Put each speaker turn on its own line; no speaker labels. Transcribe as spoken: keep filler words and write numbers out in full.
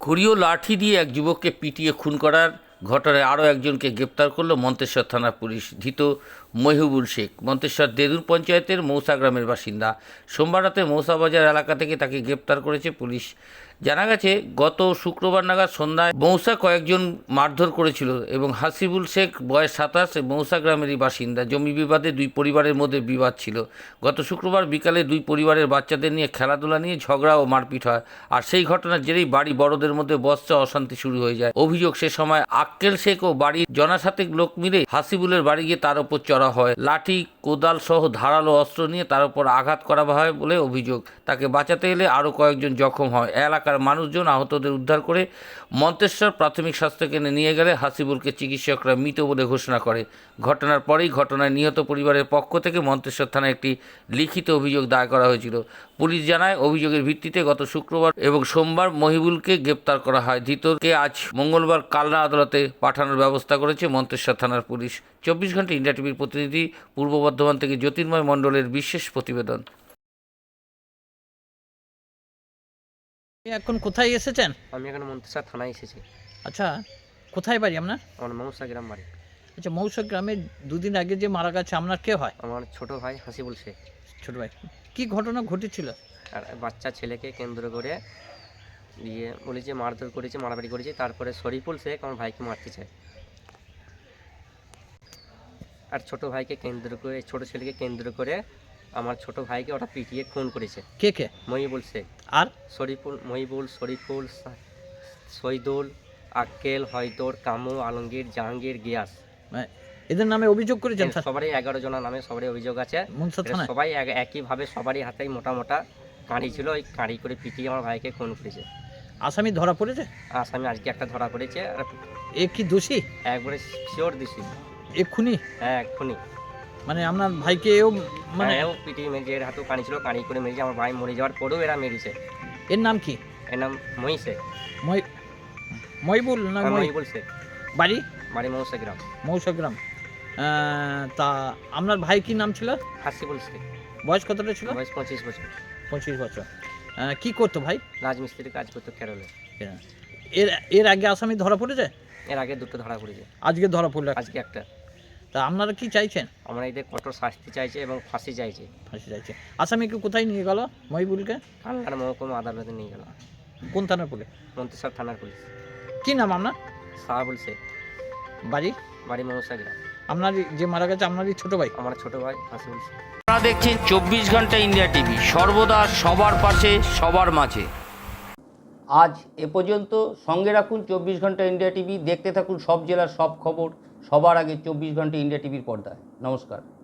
ঘুড়িও লাঠি দিয়ে এক যুবককে পিটিয়ে খুন করার ঘটনায় আরও একজনকে গ্রেপ্তার করল মন্তেশ্বর থানার পুলিশ। ধৃত মহিবুল শেখ মন্তেশ্বর দেদুর পঞ্চায়েতের মৌসা গ্রামের বাসিন্দা। সোমবার রাতে মৌসা বাজার এলাকা থেকে তাকে গ্রেপ্তার করেছে পুলিশ। জানা গেছে, গত শুক্রবার নাগাদ সন্ধ্যায় মৌসা কয়েকজন মারধর করেছিল এবং হাসিবুল শেখ বয়স সাতাশ মৌসা গ্রামেরই বাসিন্দা। জমি বিবাদে দুই পরিবারের মধ্যে বিবাদ ছিল। গত শুক্রবার বিকালে দুই পরিবারের বাচ্চাদের নিয়ে খেলাধুলা নিয়ে ঝগড়া ও মারপিট হয়, আর সেই ঘটনার জেরেই বাড়ি বড়দের মধ্যে বচসা অশান্তি শুরু হয়ে যায়। অভিযোগ, সে সময় আক্কেল শেখ ও বাড়ির জনাসাতেক লোক মিলে হাসিবুলের বাড়ি গিয়ে তার ওপর চড়া হয়। লাঠি, কোদাল সহ ধারালো অস্ত্র নিয়ে তার উপর আঘাত করা হয় বলে অভিযোগ। তাকে বাঁচাতে এলে আরও কয়েকজন জখম হয়। এলাকার মানুষজন আহতদের উদ্ধার করে মন্তেশ্বর প্রাথমিক স্বাস্থ্যকেন্দ্রে নিয়ে গেলে হাসিবুলকে চিকিৎসকরা মৃত বলে ঘোষণা করে। ঘটনার পরেই ঘটনায় নিহত পরিবারের পক্ষ থেকে মন্তেশ্বর থানায় একটি লিখিত অভিযোগ দায়ের করা হয়েছিল। পুলিশ জানায়, অভিযোগের ভিত্তিতে গত শুক্রবার এবং সোমবার মহিবুলকে গ্রেপ্তার করা হয়। ধৃতকে আজ মঙ্গলবার কালনা আদালতে পাঠানোর ব্যবস্থা করেছে মন্তেশ্বর থানার পুলিশ। চব্বিশ ঘন্টা ইন্ডিয়া টিভির প্রতিনিধি পূর্ব বর্ধমান থেকে জ্যোতির্ময় মণ্ডলের বিশেষ প্রতিবেদন।
এখন কোথায় এসেছেন?
আমি এখানে মন্তেশ্বর থানায় এসেছি।
আচ্ছা, কোথায় বাড়ি আপনার?
আমার মৌসা গ্রাম বাড়ি।
আচ্ছা, মৌসা গ্রামে দুদিন আগে যে মারা গেছে আপনার কে হয়?
আমার ছোট ভাই হাসিবুল শেখ।
ছোট ভাই, কি ঘটনা ঘটেছিল?
আর বাচ্চা ছেলেকে কেন্দ্র করে দিয়ে বলি যে মারধর করেছে, মারামারি করেছে। তারপরে শরীফুল শেখ আমার ভাইকে মারতে চায়, আর ছোট ভাইকে কেন্দ্র করে, ছোট ছেলেকে কেন্দ্র করে আমার ছোট ভাইকে ওটা পিটিয়ে খুন করেছে।
কে কে?
মহিবুল শেখ
আর
শরীফুল, মহিবুল, শরীফুল, শহীদুল, আক্কেল, হয়দর, কামু, আলমগীর, জাহাঙ্গীর, গিয়াস,
মানে এদের নামে অভিযোগ করেছেন?
সবারই এগারো জনের নামে সবারই অভিযোগ আছে।
মনসা থানায়
সবাই এক- একইভাবে সবারই হাতেই মোটা মোটা কাঁড়ি ছিল, ওই কাঁড়ি করে পিটিয়ে আমার ভাইকে খুন করেছে।
আসামি ধরা পড়েছে?
আসামি আজকে একটা ধরা পড়েছে, আর
এ কি দোষী?
একবারে শিওর দিছি।
এক্ষুনি
হ্যাঁ এক্ষুনি,
মানে আপনার ভাইকে এও মানে
হ্যাঁ ও পিটিয়ে মেরেছে, এর হাতেও কাঁড়ি ছিল, কাঁড়ি করে মেরেছে। আমার ভাই মরে যাওয়ার পরেও এরা মেরেছে।
এর নাম কি?
এর নাম মহিষে,
মই মহিবুল না মই?
মহিবুল শেখ,
বাড়ি?
বাড়ি মৌসা গ্রাম।
মৌসা গ্রাম। আহ, তা আপনার ভাই কি নাম ছিল?
হাসিবুল শেখ,
বয়স কতটা ছিল?
বয়স পঁচিশ বছর।
পঁচিশ বছর। আহ, কি করতো ভাই?
রাজমিস্ত্রির কাজ করতো কেরলে।
এর এর আগে আসামি ধরা পড়েছে?
এর আগে দুটো ধরা পড়েছে,
আজকে ধরা পড়লো একটা।
আজকে একটা।
তা আপনারা কি চাইছেন?
আমরা এদের কঠোর শাস্তি চাইছে এবং ফাঁসি চাইছে।
ফাঁসি চাইছে। আসামিকে কোথায় নিয়ে গেল মহিবুলকে?
কালনার মহকুমা আদালতে নিয়ে গেল।
কোন থানার পুলিশ?
মন্তেশ্বর থানার পুলিশ।
কি নাম আপনার?
সাহাবুল শেখ,
বাড়ি?
বাড়ি মৌসা গ্রাম।
আপনার যে মারা গেছে আপনারই ছোট ভাই?
আমার ছোট ভাই হাসিবুল শেখ।
আপনারা দেখছেন চব্বিশ ঘন্টা ইন্ডিয়া টিভি, সর্বদা সবার পাশে, সবার মাঝে। আজ এ পর্যন্ত। সঙ্গে রাখুন চব্বিশ ঘন্টা ইন্ডিয়া টিভি। দেখতে থাকুন সব জেলার সব খবর সবার আগে চব্বিশ ঘন্টা ইন্ডিয়া টিভির পর্দায়। নমস্কার।